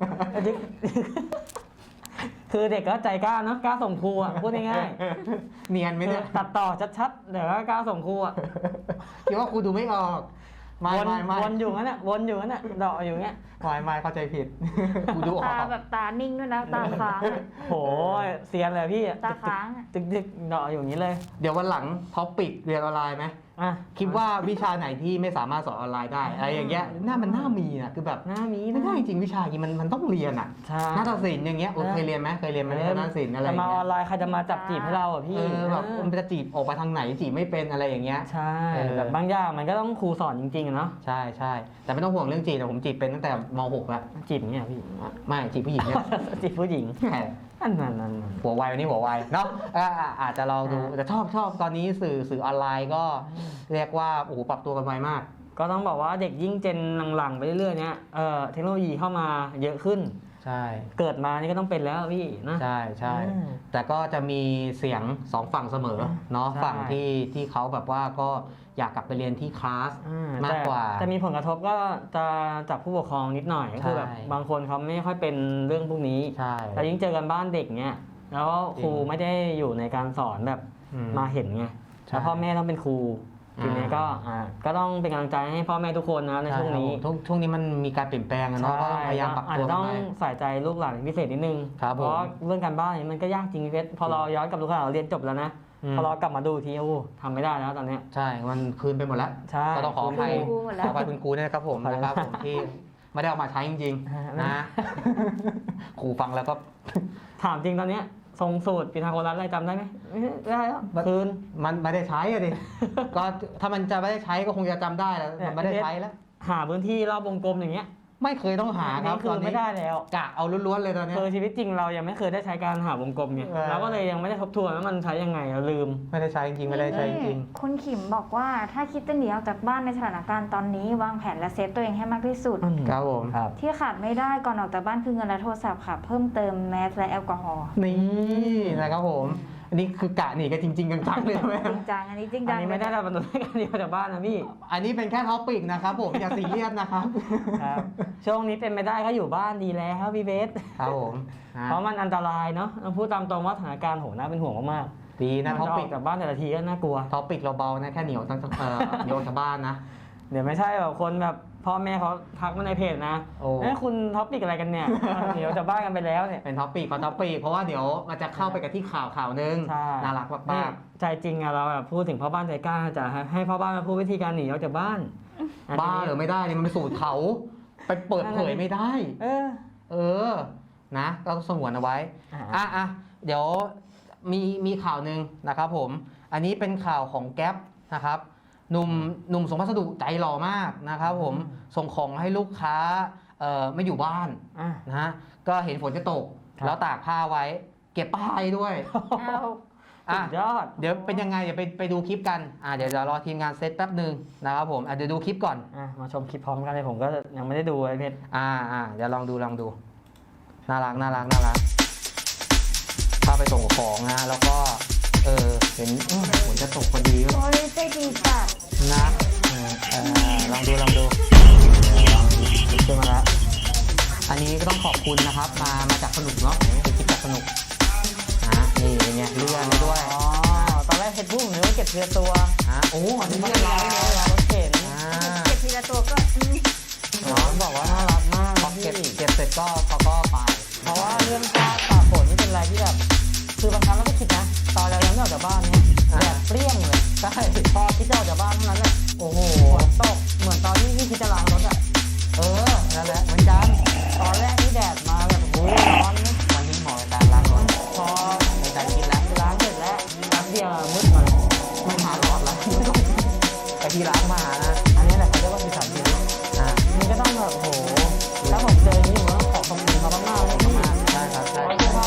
คือเด็กก็ใจกล้าเนาะกล้าส่งครูอ่ะพูดง่าย
เนียนไหม
ๆ
เนี่ย
ตัดต่อชัดๆเดี๋ยวก็กล้าส่งครูอ่ะ
คิดว่าครูดูไม่ออกไม่
วน
ไม่ไม่
วนอยู่งั้นอ่ะวนอยู่งั้นอ่ะเดาะอยู่เงี้ย
ไม่ไม่เข้าใจผิด ครูดูออ
ตาก แบบตานิ่งด้วยนะตาค้างอะ
โหเซียนเลยพี่อะ
ตาค้างอะ
ตึกตึกๆเดาะอยู่อย่างนี้เลย
เดี๋ยววันหลังท็อปปิกเรียนออนไลน์ไหม
อ่ะ
คิดว่าวิชาไหนที่ไม่สามารถสอนออนไลน์ได้อะไรอย่างเงี้ยน่ามันน่ามีนะคือแบบ
หน้ามี
ไม่
นะ
ได้จริงวิชาอย่างงี้มันมันต้องเรียนอ่ะ
ใช่
นาฏศิลป์อย่างเงี้ยโอ้เคยเรียนไหมเคยเรียนไหมนาฏศิลป์อะไรอ
จะ
ย่าง
มาอ
เงี้
อย นไลน์ใครจะมาจับจีบให้เราอ่ะพี่
เออแบบ
เออ
มันจะจีบออกไปทางไหนจีบไม่เป็นอะไรอย่างเงี้ย
ใช่
เออ
แบบบางอย่างมันก็ต้องครูสอนจริงๆอะเนาะ
ใช่ใช่แต่ไม่ต้องห่วงเรื่องจีบแต่ผมจีบเป็นตั้งแต่ม .หก แล้ว
จีบอย่างเงี้ยพี่
ไม่จีบผู้หญิงเนี่ย
จีบผู้หญิง
แหม
อันนั้นนั้น
หัวไววันนี้หัวไวเนาะอ่าอ่าอาจจะลองดูแต่ชอบชอบตอนนี้สื่อสื่อออนไลน์ก็เรียกว่าโอ้โหปรับตัวกันไวมาก
ก็ต้องบอกว่าเด็กยิ่งเจนหลังๆไปเรื่อยๆเนี้ยเอ่อเทคโนโลยีเข้ามาเยอะขึ้น
ใช่
เกิดมานี่ก็ต้องเป็นแล้วพี่นะ
ใช่ใช่
อืม
แต่ก็จะมีเสียงสองฝั่งเสมอเนาะ
ใช่
ฝั่งที่ที่เขาแบบว่าก็อยากกลับไปเรียนที่คลาส
อ่
มากกว่า
แต่แต่มีผลกระทบก็จะจากผู้ปกครองนิดหน่อยก็คือแบบ
ใช่
บางคนเขาไม่ค่อยเป็นเรื่องพวกนี้
ใช่
แต่ยิ่งเจอกันบ้านเด็กเนี้ยแล้วครู
จริง
ไม่ได้อยู่ในการสอนแบบ
อื
มาเห็นไง
ใช่
แล้วพ่อแม่ต้องเป็นครู
อ่า
ทีนี้ก็อ่าก็ต้องเป็นกำลังใจให้พ่อแม่ทุกคนนะในช่วงนี้
ใครับผมช่วงช่วงนี้มันมีการเปลี่ยนแปลงอะเนาะก็ต้องพยายามปรับ
อาจ
ตัว
จะ
กั
ต้
น
อง
ไป
ใส่ใจลูกหลานเป็นพิเศษนิดนึง
ครับ
เพ
ผม
ราะเรื่องการบ้านนี่มันก็ยากจริงพี่เพชรพอเราย้อนกลับดูข่าวเราเรียนจบแล้วนะ
อืม
พอเรากลับมาดูทีโอ้ทำไม่ได้แล้วตอนเนี้ย
ใช่ มันคืนไปหมดแล้ว
ใช่
ก็ต้องขออภัย
ครูหมด
ข
แล้
อ
ว
อภัยคุณครูด้วยนะครับผม
ขออภัย
นะครับผมที่ไม่ได้เอามาใช้จริงๆนะ ครูฟังแล้วก็
ถามจริงตอนเนี้ยทรงสูตรปีทาโกรัสอะไรจำได้ไหมไม่ได้แล้วคืน
มันไม่ได้ใช้อะดิ ก็ถ้ามันจะไม่ได้ใช้ก็คงจะจำได้แล้ว
เนี่ย
มันไม่ได้ใช้แล้ว
หาพื้นที่รอบวงกลมอย่างเงี้ย
ไม่เคยต้องหาครับ
นี่คื
ต
อ
อนนี้
ไม่ได้แล้ว
กะเอาล้วนๆเลยตอนเนี้ย
คือชีวิตจริงเรายังไม่เคยได้ใช้การหาวงกลมไง
เออ
เราก็เลยยังไม่ได้ทบทวนว่ามันใช้ยังไงเราลืม
ไม่ได้ใช้จริงๆไม่ได้ใช้จริง
คุณขิมบอกว่าถ้าคิดจะหนีออกจากบ้านในสถานการณ์ตอนนี้วางแผนและเซฟตัวเองให้มากที่สุด
ครับผม
ครับ
ที่ขาดไม่ได้ก่อนออกจากบ้านคือเงินและโทรศัพท์ค่ะ เพิ่มเติมแมสและแอลกอฮอล์
นี่นะครับผม อันนี้คือกะหนีกันจริงๆจังๆเลยไหม
จริงจังอันนี้จริง
อั
จั
น
ง
นี้ไม่ได้เราบรรทุกการเดียวจากบ้านนะพี่
อันนี้เป็นแค่ท็อปิกนะครับผมอย่าซีเรียสนะครับ
ครับช่วงนี้เป็นไม่ได้ก็อยู่บ้านดีแล้วครับพี่เบส
ครับผมนะ
เพราะมันอันตรายเนาะเราพูดตามตรงว่าสถานการณ์โหน่าเป็นห่วงมาก
ดี
ๆ
นะ
มั
ท็อ
จะอ
ปิ
อก กจากบ้านแต่ละทีก็น่ากลัว
ท็อปิกเราเบานะแค่เหนียวตั้งเอ่อโยนชาวบ้านนะ
เดี๋ยวไม่ใช่แบบคนแบบพ่อแม่เขาทักมาในเพจนะ
โอ้
เอ้ยคุณท็อปปิกอะไรกันเนี่ย เดี๋ยวจะบ้านกันไปแล้วเนี่ย
เป็นท็อปิกขอท็อปิกเพราะว่าเดี๋ยวมันจะเข้าไปกับที่ข่าวข่าวนึง
ใช่
น่ารัก
นี่
มาก
ใจจริงอะเราแบบพูดถึงพ่อบ้านใจกล้าจะให้พ่อบ้านมาพูดวิธีการหนีออกจากบ้าน
ๆบ้าเหรือไม่ได้นี่มันเป็นสูตรเขาไปเปิดเผยไม่ได้
เออ
เออนะก็สงวนเอาไว้
อ่า
อ่ะอ่ะเดี๋ยวมีมีข่าวหนึ่งนะครับผม อันนี้เป็นข่าวของแก๊ปนะครับหนุ่มหนุ่มส่งพัสดุใจหล่อมากนะครับผมส่งของให้ลูกค้าเอ่อไม่อยู่บ้าน
อ่ะ
นะฮะก็เห็นฝนจะตก
ครับ
แล้วตากผ้าไว้ เก็บป้ายด้วย
เอา
สุ
อ่ะ
ดยอด
เดี๋ยวเป็นยังไงเดี๋ยวไปไปดูคลิปกันอ่ะเดี๋ยวจะรอทีมงานเซตแป๊บหนึ่งนะครับผมอ่ะเดี๋ยวดูคลิปก่อน
อ่ะมาชมคลิปพร้อมกันเลยผมก็ยังไม่ได้ดูไอ้เพชร
อ่าอ่าเดี๋ยวลองดูลองดูน่ารักน่ารักน่ารักพาไปส่งของนะแล้วก็เออเห็นอื้อฝนจะตกพอดี
โอ้ยใจดีจัด
นะเออเออลองดูลองดูขึ้นมาแล้วอันนี้ก็ต้องขอบคุณนะครับ มามาจากสนุกเนาะเป็นคลิปจากสนุกนะนี่เป็นไงเลื่อนไปด้วย
อ๋อตอนแรกเพชรพุ่งนึกว่าเก็บเรือตัว
ฮะโอ้อันนี้
ไม่
เรียบ
ร้า
ร้อย ย
เล
เลย ย
รถเข็น
อ่า
เก็บทีละตัวก็อืม
น้องบอกว่าน่ารักมาก
พอ
พี่
เก็บเก็บเสร็จก็เขาก็ไป
เพราะว่าเรื่องฟ้าตากฝนนี่เป็นอะไรที่แบบคือบางครั้งเราก็คิดนะ ตอนเรายังไม่ออกจากบ้านเนี่ยแดดเปรี้ยงเลย
ใช่
พอคิดจะออกจากบ้านเท่านั้นแหละ
โอ้โห
ฝนตกเหมือนตอนที่พี่คิดจะล้างรถอะ
เออนั่นแหละเหมือนกัน
ตอนแรกนี่แดดมาแบบโอ้ยร้อนนะ
วันนี้เหมาะกับการล้างรถ
พอ
ในใจคิดแล้ว
ล้างเสร็จแล้วแป๊บเดียวมืดมาเลย
ไม่หาหลอดละไปที่ร้านมานะ
อันนี้แหละเขาเรียกว่าสีสันจริง
อ่า
นี่ก็ต้องแบบโอ้โหถ้าผมเจออย่างนี้ผมต้องขอขอบคุณเขามากๆเลย
มาได้ครับ
เพ
ใช่
ราะว่าเสื้อผ้า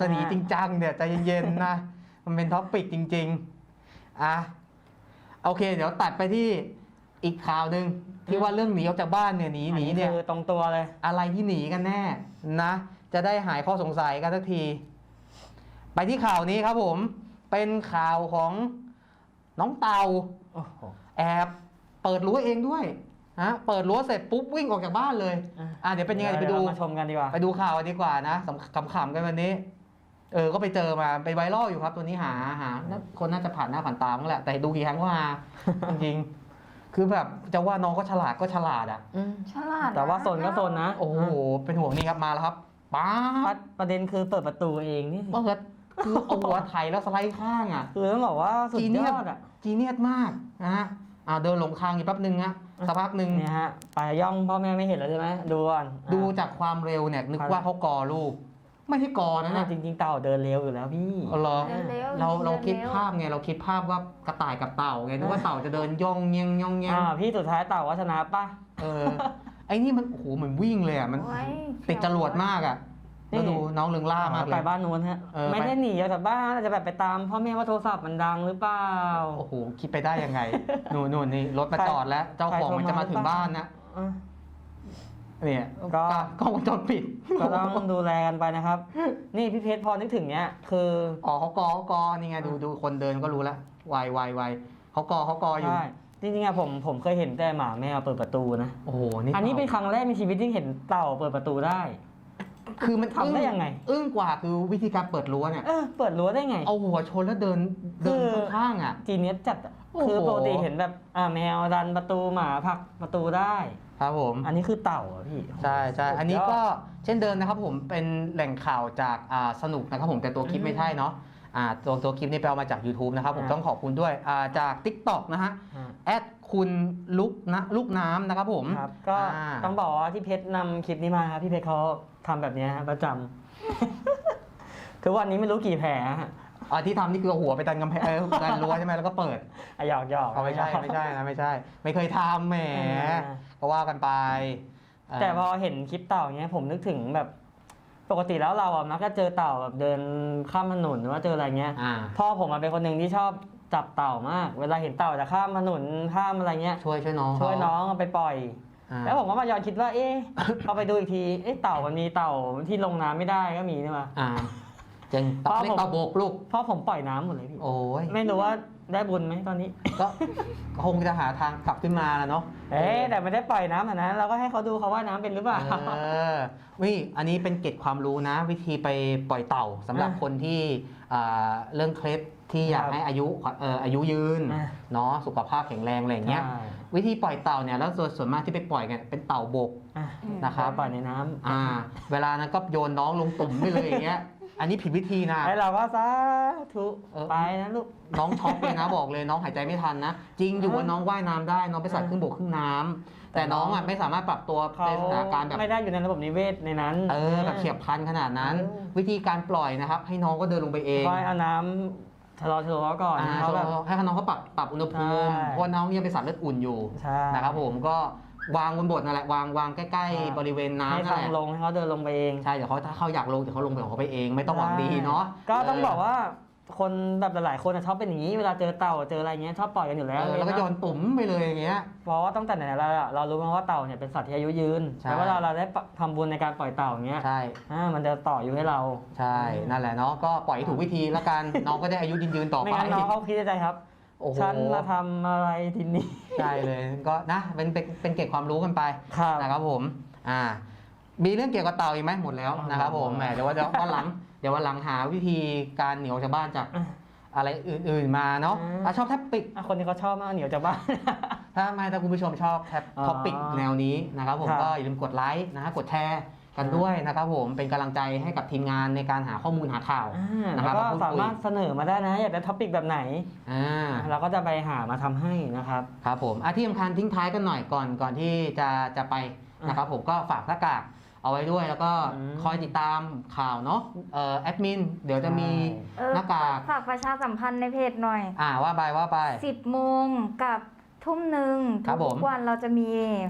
จะหนีจริงจังเนี่ยใจเย็นๆนะ มันเป็นท็อปปิกจริงๆอ่ะโอเค เดี๋ยวตัดไปที่อีกข่าวหนึ่งที่ว่าเรื่องหนีออกจากบ้านเนี่ยหนีหนีเนี่ย
คือตรงตัวเลย
อะไรที่หนีกันแน่นะ จะได้หายข้อสงสัยกันสักที ไปที่ข่าวนี้ครับผม เป็นข่าวของน้องเตา
โอ้โห
แอบเปิดรั้วเองด้วยฮะเปิดรั้วเสร็จปุ๊บวิ่งออกจากบ้านเลย
อ่ะ
อ่ะเดี๋ยวเป็นยังไงเดี๋ยวไปดู
เรามาชมกันดีกว่า
ไปดูข่าวกันดีกว่านะขำๆกันวันนี้ เออ ก็ไปเจอมาไปไวรัลอยู่ครับ ตัวนี้หาหาคนน่าจะผ่านหน้าผ่านตาบ้างแหละ แต่ดูกี่ครั้งก็หา จริงๆ คือแบบจะว่าน้องก็ฉลาดก็ฉลาดอ่ะ
อืม
ฉลาดนะ
แต่ว่าโซนก็โซนนะ
โอ้โห เป็นห่วงนี่ครับมาแล้วครับป๊า
ประ
ด
ประเด็นคือเปิดประตูเองนี่
เปิดคือเอาหัวไถแล้วสไลด์ข้างอ่ะ
คือต้องบอกว่าสุด
จี
ย
เนีย
อ
ส
ดอ่ะ
จีเนียสมากนะฮะอ่าเดินหลงทางอยู่แป๊บนึงฮะสักพักหนึ่ง
เนี่ยฮะไปย่องพ่อแม่ไม่เห็นแล้วใช่ไหมดูก่อน
ดูจากความเร็วเนี่ยนึกว่าเขากอลูก ไม่ใช่กอนะ
อ่ะ
เนี่ย
จริง ๆ เต่าเดินเร็วอยู่แล้วพี่
เอาเหรอ
เร็วๆ
เราเรา
ดิน
คิด
ร็ว
ภาพไงเราคิดภาพว่ากระต่ายกับเต่าไงนึกว่าเต่าจะเดินย่องเงี้ยงย่องเงี้ยง
อ่าพี่สุดท้ายเต่าวัฒนาป่ะ
เออไอ้นี่มันโอ้โหเหมือนวิ่งเลยอ่ะมัน
โอ้ย
ติดจรวดมากอ่ะ
นี่
แล้วดูน้องเรืองล่ามากเล
ไป
ย
บ้านนู้นฮะ
เออ
ไม่
ไป
ได้หนีออกจากบ้านอาจจะแบบไปตามพ่อแม่ว่าโทรศัพท์มันดังหรือเปล่า
โอ้โหคิดไปได้ยังไงนู่นนู่นนี่รถมา
ใคร
จอดแล้ว เจ้าของมันจะมาถึงบ้านนะ
อ่ะ
เนี่ย
ก็
กล้องวงจรปิด
ก็ต้องดูแลกันไปนะครับ นี่พี่เพชรพอนึกถึงเนี้ยคือ
อ๋อเขากอเขากอนี่ไงดูดูคนเดินก็รู้แล้ววายวายวายเขากอเขากออยู่
ใช่จริงๆอะผมผมเคยเห็นแต่หมาแมวเปิดประตูนะ
โอ้โหนี่
อันนี้เป็นครั้งแรกในชีวิตที่เห็นเต่าเปิดประตูได้
คือมัน
ทำได้ยังไง
อึ้งกว่าคือวิธีการเปิดรั้วเนี่ย
เออเปิดรั้วได้ไง
เอาหัวชนแล้วเดินเดิน
คือ
ข้างๆอ่ะ
จีเนียสจัดอะ
โอ้โห
คือปกติเห็นแบบอ่าแมวดันประตูหมาผลักประตูได้
ครับผม
อันนี้คือเต่าอะพี่
ใช่ใช่
สุดยด
อันนี้ก็เช่นเดิมนะครับผมเป็นแหล่งข่าวจากอ่าสนุกนะครับผมแต่ตัวคลิป
อืม
ไม่ใช่เนาะอ่าตัวตัวคลิปนี่ไปเอามาจาก YouTube นะครับผม
อ่า
ต้องขอบคุณด้วยอ่าจาก TikTok นะฮะ
อ่า
แอดคุณลุกนะลูกน้ำนะครับผม
ครับก็
อ่า
ต้องบอกว่าที่เพชรนำคลิปนี้มาครับพี่เพชรเขาทำแบบเนี้ยฮะประจำ คือวันนี้ไม่รู้กี่แผลฮะ
อ่าที่ทำนี่คือเอาหัวไปดันกำแพงเออดันรั้วใช่ไหมแล้วก็เปิด
อ่ะหยอกหยอก
เอาไม่ใช่ไม่ใช่นะไม่ใช่ ไม่เคยทำแหม
อ่า
ก็ว่ากันไปเ
แต่พอเห็นคลิปเต่าเนี้ยผมนึกถึงแบบปกติแล้วเราอ่ะมักจะเจอเต่าแบบเดินข้ามถนนหรือว่าเจออะไรเงี้ย
อ่า
พ่อผมอะเป็นคนหนึ่งที่ชอบจับเต่ามาก เวลาเห็นเต่าจะข้ามถนนข้ามอะไรเงี้ย
ช่วยช่วยน้อง
ช่วย
เขา
น้องเอาไปปล่อย
อ่า
แล้วผมก็มาย้อนคิดว่า เอ๊ะ พอไปดูอีกที เอ๊ะ เต่ามันมีเต่าที่ลงน้ำไม่ได้ก็มีนี่มา
อ่าเจัง
พ่
ตั
อ
บเล็ก
ผม
ตาโบกลูก
เพราะผมปล่อยน้ำหมดเลยพี่
โอ้ย
ไม่รู้ว่าได้บุญไหมตอนนี้
ก็คงจะหาทางกลับขึ้นมาแล้วเนาะ
เอ๊ะแต่ไม่ได้ปล่อยน้ำอ่ะนะเราก็ให้เขาดูเขาว่าน้ำเป็นหรือเปล่า
เออวิอันนี้เป็นเกร็ดความรู้นะ วิธีไปปล่อยเต่าสำหรับ
อ่ะ
คนที่อ่าเรื่องเคล็ดที่อยาก
ครับ
ให้อายุเอ่ออายุยืน
อ่ะ
เนาะสุขภาพแข็งแรงอะไรอย่างเงี้ย
ใช่
วิธีปล่อยเต่าเนี่ยแล้วส่วนส่วนมากที่ไปปล่อยกันเป็นเต่าบก
อ่ะ
นะครับ
ปล่อยในน้ำ
อ่า เวลานั้นก็โยนน้องลงตุ่มไปเลยอย่างเงี้ย อันนี้ผิดวิธีนะ
ให้เราก็สาธุ
เออ
ไปนะลูก
น้องช็อกเลยนะบอกเลยน้องหายใจไม่ทันนะ จริงอยู่ว่าน้องว่ายน้ำได้น้องไปนสัตว์ครึ่งบกครึ่งน้ำแต่น้องอ่ะไม่สามารถปรับตัว
เขา
ในสถานการณ์แบบ
ไม่ได้อยู่ในระบบนิเวศในนั้น
เออแบบเฉียบพลันขนาดนั้น
เออ
วิธีการปล่อยนะครับ ให้น้องก็เดินลงไปเอง
คอยเอาน้ำชะลอชะลอก่อน
อ่า
เขาแบบ
ให้น้องเขาปรับปรับอุณหภูมิ
ใช่
เพราะว่าน้องยังเป็นสัตว์เลือดอุ่นอยู่
ใช่
นะครับผมก็วางบนบทนั่นแหละวางวางใกล้ๆบริเวณน้ำ
ให้
นั่น
ทาง
แหละ
ลงให้เขาเดินลงไปเอง
ใช่เดี๋ยวเขาถ้าเขาอยากลงเดี๋ยวเขาลงไปของเขาไปเองไม่ต้องหวังดีเนาะ
ก็ต้องบอกว่าคนแบบหลายๆคนอะชอบเป็นอย่างนี้เวลาเจอเต่าเจออะไรเงี้ยชอบปล่อยกันอยู่แล้ว
เออแล้วก็โยนตุ่มไปเลยอย่างเงี้ย
เพราะว่าตั้งแต่ไหนๆเราอะเรารู้มาว่าเต่าเนี่ยเป็นสัตว์ที่อายุยืน
ใช่
แล้วเวลาเราได้ทำบุญในการปล่อยเต่าอย่างเงี้ย
ใช่
อ่ามันจะต่ออยู่ให้เรา
ใช่นั่นแหละเนาะก็ปล่อยให้ถูกวิธีแล้วกัน น้องก็ได้อายุยืนยืนๆต่อ
ไม่
ไป
งั้นน้องเขาคิดในใจครับ
โอ้โห
ฉันมาทำอะไรทีนี้
ใช่เลยก็นะเป็นเป็นเป็นเก็บความรู้กันไป
ครับ
นะครับผมอ่ามีเรื่องเกี่ยวกับเต่าอีกไหมหมดแล้วนะครับผมแหมเดี๋ยวว่าเดี๋ยววันหลังเดี๋ยววันหลังหาวิธีการเหนียวจากบ้านจาก
อ่ะ
อะไรอื่นๆมาเนาะ
อ่า
ถ้าชอบแท็บปิก
อ่ะคนนี้เขาชอบมากเหนียวจากบ้าน
ถ้าไม่ถ้าคุณผู้ชมชอบแท็บ
อ๋อ
ท็อปิกแนวนี้นะครับผม
ครับ
ก็อย่าลืมกดไลค์นะฮะกดแชร์กันด้วยนะครับผมเป็นกำลังใจให้กับทีมงานในการหาข้อมูลหาข่าว
อ่า
นะค
แล้
รับ
วก็
มาพูด
สา
คุย
มารถเสนอมาได้นะ อยากได้ท็อปิกแบบไหน
อ่า
เราก็จะไปหามาทำให้นะครับ
ครับผมอ่ะที่สำคัญทิ้งท้ายกันหน่อยก่อนก่อนที่จะจะไปนะครับผมก็ฝากหน้ากากเอาไว้ด้วยแล้วก็
อืม
คอยติดตามข่าวเนาะเอ่อแอดมินเดี๋ยวจะมี
เออ
หน้ากาก
ฝากประชาสัมพันธ์ในเพจหน่อย
อ่าว่าไปว่าไป
สิบโมงกับทุ่มหนึ่ง
ครับผม
ทุกวันเราจะมี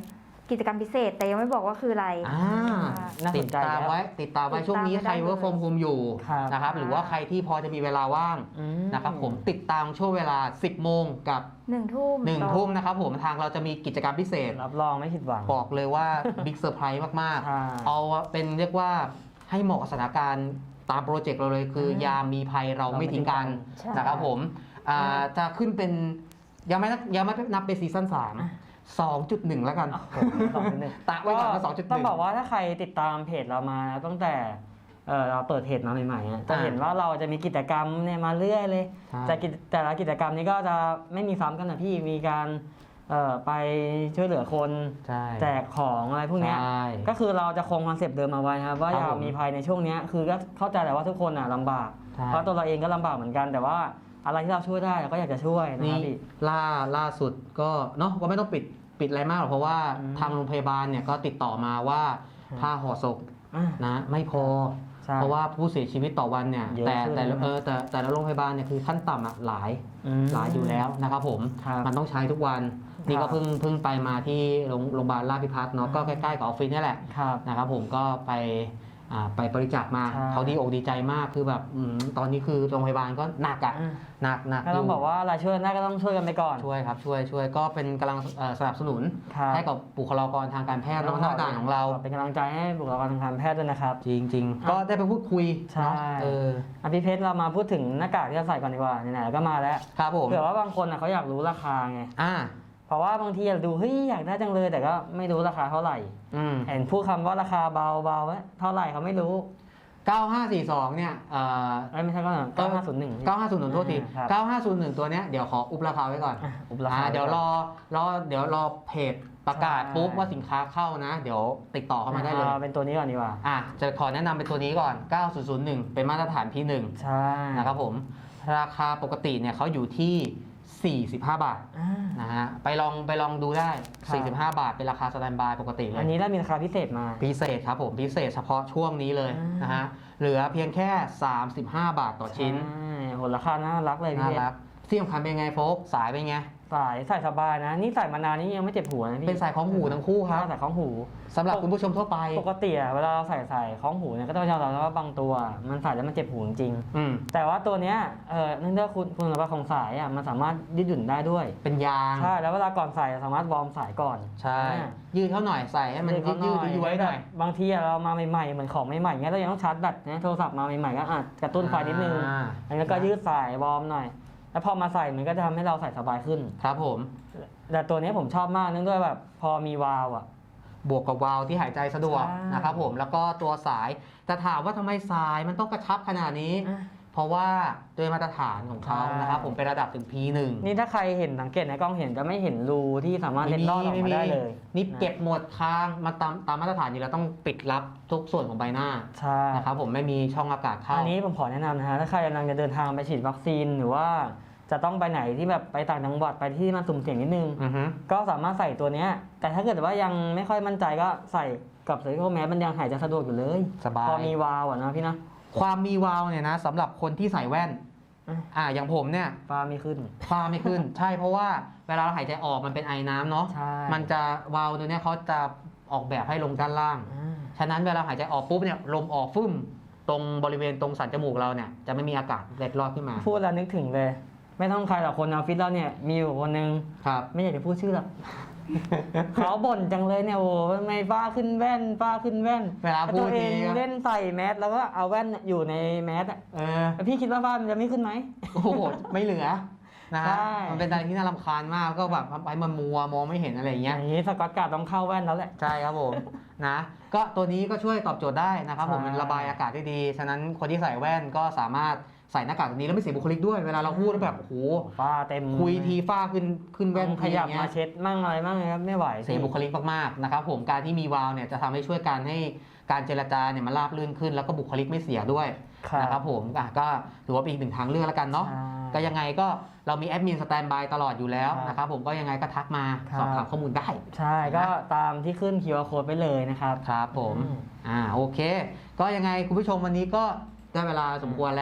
กิจกรรมพิเศษ แต่ยังไม่บอกว่าคืออะไร
อ่า
น่า
ติ
ส
ด
นใจ
ตาม
แล้ว
ไว้ติดตามไว้
ติดตาม
ช่วงนี้ใคร
ไว้ได้
เวิร์กโฟมโฮมอยู่
ครับ
นะครับหรือว่าใครที่พอจะมีเวลาว่าง
อืม
นะครับผมติดตามช่วงเวลา สิบโมงกับ
หนึ่งทุ่ม
หนึ่งทุ่มนะครับผมทางเราจะมีกิจกรรมพิเศษ
รับรองไม่ผิดหวัง
บอกเลยว่า บิ๊กเซอร์ไพรส์มาก
ใช่
ๆ เอาเป็นเรียกว่าให้เหมาะกับสถานการณ์ตามโปรเจกต์เราเลยคือ
อืม
ยามมีภัยเราไม่ทิ้งกัน
ใช่
นะครับผมอ่าจะขึ้นเป็นยังไม่นับยังไม่นับเป็นซีซั่นสาม สองจุดหนึ่งแล้วกัน
สองจุดหนึ่ง
ตะไว้ก่อนว่าสองจุดหนึ่ง
ต้องบอกว่าถ้าใครติดตามเพจเรามาตั้งแต่เอ่อเราเปิดเพจมาใหม่ๆอะจะ
อ่า
เห็นว่าเราจะมีกิจกรรมเนี่ยมาเรื่อยเลย
ใช่
แต่กิจแต่ละกิจกรรมนี้ก็จะไม่มีซ้ำกันนะพี่มีการเอ่อไปช่วยเหลือคน
ใช่
แจกของอะไรพวกเนี้ย
ใช่
ก็คือเราจะคงคอนเซปต์เดิมเอาไว้ครับว่า
ครับ
อยา
ผ
ก
ม
มีภัยในช่วงเนี้ยคือก็เข้าใจแหละว่าทุกคนอ่ะลำบาก
ใช่
เพราะตัวเราเองก็ลำบากเหมือนกัน แต่ว่าอะไรที่เราช่วยได้เราก็อยากจะช่วยนะ
นี่
ครับพี่
ล่าล่าสุดก็เนาะก็ไม่ต้องปิดปิดอะไรมากหรอกเพราะว่า
อืม
ทางโรงพยาบาลเนี่ยก็ติดต่อมาว่า
อืม
ผ้าห่อศพ
อ่ะ
นะไม่พอ
ใช่
เพราะว่าผู้เสียชีวิตต่อวันเนี่ย
เยอะ
แต่
ขึ้น
แต่ละ
นะ
เออแต่แต่ละโรงพยาบาลเนี่ยคือขั้นต่ำอ่ะหลาย
ม
หลายอยู่แล้วนะครับผม
ครับ
มันต้องใช้ทุกวัน นี่
ครั
ก็
บ
เพิ่งเพิ่งไปมาที่โรงโรงพยาบาลราชพิพัฒน์เนาะก็ใกล้ๆกับออฟฟิศนี่แหละ
ครับ
นะครับผมก็ไปอ่าไปบริจาคมา
ใช่
เขาดีอกดีใจมากคือแบบอืมตอนนี้คือโรงพยาบาลก็หนักอ่ะ
อ่ะ
หนักหนัก
ก็ต้อง
ยู่
บอกว่าอะไรช่วยได้ก็ต้องช่วยกันไปก่อน
ช่วยครับช่วยช่วยก็เป็นกำลังเอ่อสนับสนุน
ครับ
ให้กับบุคลากรทางการแพทย์น้องหน้าด่านของเรา
เป็นกำลังใจให้บุคลากรทางการแพทย์ด้วยนะครับ
จริงจริงๆ ก็ได้ไปพูดคุย
ใช่
เนาะเออ
อ่ะพี่เพชรเรามาพูดถึงหน้ากากที่เราใส่ก่อนดีกว่าไหนๆก็มาแล้ว
ครับผม
เผื่อว่าบางคนอ่ะเขาอยากรู้ราคาไง
อ่า
เพราะว่าบางทีเราดูเฮ้ยอยากได้จังเลยแต่ก็ไม่รู้ราคาเท่าไหร่
อืม
เห็นพูดคำว่าราคาเบาเบาๆเท่าไหร่เขาไม่รู้
เก้าห้าสี่สองเนี่ยเอ่อ
เอ้ยไม่ใช่ก็เก้าห้าศูนย์หนึ่ง
เก้าห้าศูนย์หนึ่งโทษที
ครับ
เก้าห้าศูนย์หนึ่งตัวเนี้ยเดี๋ยวขออุบราคาไว้ก่อน
อ่ะอุปรา
อ่า
คา
เดี๋ยวรอรอเดี๋ยวรอเพจประกาศ
ใช่
ปุ๊บว่าสินค้าเข้านะ เดี๋ยวติดต่อเข้ามาได้เลย
อ่เป็นตัวนี้ก่อนดีกว่า
อ่ะจะขอแนะนำเป็นตัวนี้ก่อน เก้าศูนย์ศูนย์หนึ่ง เป็นมาตรฐาน พี หนึ่ง
ใช่
นะครับผม ราคาปกติเนี่ยเขาอยู่ที่ สี่สิบห้า บาท
อ่า
นะฮะ ไปลองไปลองดูได้
ครับ
สี่สิบห้า บาท เป็นราคาสแตนด์บายปกติเล
อั
ย
นนี้ได้มีราคาพิเศษมา
พิเศษครับผม พิเศษเฉพาะช่วงนี้เลย
อ่าน
นะฮะ เหลือเพียงแค่ สามสิบห้า บาทต่อชิ้น
ใช่โหราคาน่ารักเลยพี่
น่า
เพช
รั
ร
กที่สำคัญเป็นไงโฟกสายเป็นไง
สายใส่สบายนะ นี่ใส่มานานนี่ยังไม่เจ็บหัวนะพี่
เป็นสายของหูทั้งคู่ครับ
ใส่ของหู
สำหรับคุณผู้ชมทั่วไป
ปกติอะเวลาเราใส่ใส่ของหูเนี่ยก็ต้องยอมรับว่าบางตัว มันใส่แล้วมันเจ็บหูจริง
อืม
ๆแต่ว่าตัวเนี้ยเออเนื่องจากคุณคุณสมบัติของสายอ่ะมันสามารถยืดหยุ่นได้ด้วย
เป็นยาง
ใช่แล้วเวลาก่อนใส่สามารถวอร์มสายก่อน
ใช่
อ่า
ยืดเข้าหน่อยใส่ให้มันยืดยืดย้วยๆหน่อย
บางทีอะเรามาใหม่ๆเหมือนของใหม่ๆเงี้ยเรายังต้องชาร์จแบตนะโทรศัพท์มาใหม่ๆก็อาจกระตุ้นไฟนิดนึง
อ่า
อันนี้ก็ยืดสายวอร์มหน่อย แล้วพอมาใส่มันก็จะทำให้เราใส่สบายขึ้น
ครับผม
แต่ตัวนี้ผมชอบมากเนื่องด้วยแบบพอมีวาล์วอ่ะ
บวกกับวาล์วที่หายใจสะดวก
ใช่
นะครับผมแล้วก็ตัวสายแต่ถามว่าทำไมสายมันต้องกระชับขนาดนี้ เพราะว่าโดยมาตรฐานของเขา
ใช่
นะครับผมเป็นระดับถึง พี หนึ่ง
นี่ถ้าใครเห็นสังเกตในกล้องเห็นจะไม่เห็นรูที่สามารถเล็ดลอดออกมาได้เลย
นี่เก็บหมดทางมาตามตามมาตรฐานอยู่แล้วต้องปิดลับทุกส่วนของใบหน้า
ใช่
นะครับผมไม่มีช่องอากาศเข้า
อันนี้ผมขอแนะนำนะฮะถ้าใครกำลังจะเดินทางไปฉีดวัคซีนหรือว่าจะต้องไปไหนที่แบบไปต่างจังหวัดไปที่มันสุ่มเสี่ยงนิดนึง
อือฮึ
ก็สามารถใส่ตัวเนี้ยแต่ถ้าเกิดว่ายังไม่ค่อยมั่นใจก็ใส่กับเซอร์ c ิ e แมสมันยังหายใจสะดวกอยู่เลย
สบาย
พอมีวาล์วอะนะพี่นะ
ความมีวาล์วเนี่ยนะสำหรับคนที่ใส่แว่น
อ่ะ
อ่าอย่างผมเนี่ย
ฟ้าไม่ขึ้น
ฟ้าไม่ขึ้น ใช่เพราะว่าเวลาเราหายใจออกมันเป็นไอน้ำเนาะ
ใช่
มันจะวาล์วตัวเนี้ยเขาจะออกแบบให้ลงด้านล่าง
อ่า
ฉะนั้นเวลาหายใจออกปุ๊บเนี่ยลมออกฟึ่มตรงบริเวณตรงสันจมูกเราเนี่ยจะไม่มีอากาศเล็ดลอดขึ้นมา
พูดแล้วนึกถึงเลย ไม่ต้องใครหรอกคนในออฟฟิศเราเนี่ยมีอยู่คนนึง
ครับ
ไม่อยากจะพูดชื่อหรอก เขาบ่นจังเลยเนี่ยโอ้ทำไมฟ้าขึ้นแว่นฟ้าขึ้นแว่น
เวลา
แล้ว
พู
ตั
ด
วเอ
ที
งเล่นใส่แมสแล้วก็เอาแว่นอยู่ในแมสอะ
เออ
แล้วพี่คิดว่าฟ้ามันจะไม่ขึ้นไหม
โอ้โหไม่เหลือนะ
ใช่
ฮะมันเป็นอะไรที่น่ารำคาญมากก็แบบไปมันมัวมองไม่เห็นอะไรอย่าง
อ
เงี้ย
ย่างนี้สกอตการ์ดต้องเข้าแว่นแล้วแหละ
ใช่ครับผม นะ ก็ตัวนี้ก็ช่วยตอบโจทย์ได้นะครับผม
ใช่
มันระบายอากาศได้ดี ฉะนั้นคนที่ใส่แว่นก็สามารถใส่หน้ากากตัวนี้แล้วไม่เสียบุคลิกด้วยเวลาเราพูดแล้วแบบโอ้โห
ฟ้าเต็ม
คุยทีฟ้าขึ้นขึ้นแว่น
ขยับ
ทีองเงี้
มาเช็ดมั่งอะไรมั่งนะครับไม่ไหว
เสียบุคลิกมากๆนะครับผมการที่มีวาล์วเนี่ยจะทำให้ช่วยการให้การเจรจาเนี่ยมันราบรื่นขึ้น แล้วก็บุคลิกไม่เสียด้วย
ครับ
นะครับผมอ่ะก็ถือว่าเป็นอีกหนึ่งทางเลือกแล้วกันเนาะ
ใช่
ก็ยังไงก็เรามีแอดมินสแตนบายตลอดอยู่แล้ว
ครับ
นะครับผมก็ยังไงก็ทักมา
ครับ
สอบถามข้อมูลได้
ใช่ก็ตามที่ขึ้น คิว อาร์ code ไปเลยนะครับ
ครับผม
อืม
อ่าโอเค ก็ยังไงคุณผู้ชมวันนี้ก็ได้เวลาสมควรแล้ว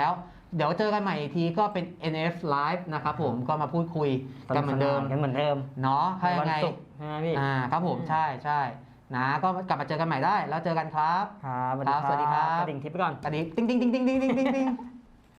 เดี๋ยวเจอกันใหม่อีกทีก็เป็น เอ็น เอฟ Live นะครับผมก็มาพูดคุยกันเหมือนเดิม
กันเหมือนเดิม
เนาะถ้ายังไง
วันศุกร์ใช่ไหมพี่
อ่าครับผมใช่ใช่นะก็กลับมาเจอกันใหม่ได้แล้วเจอกันครับ
ครับ
ครับสวัสดีครับ
กระดิ่งทิปไปก่อน
กระดิ่งติ๊งติ๊งติ๊งติ๊งติ๊งติ๊งติ๊ง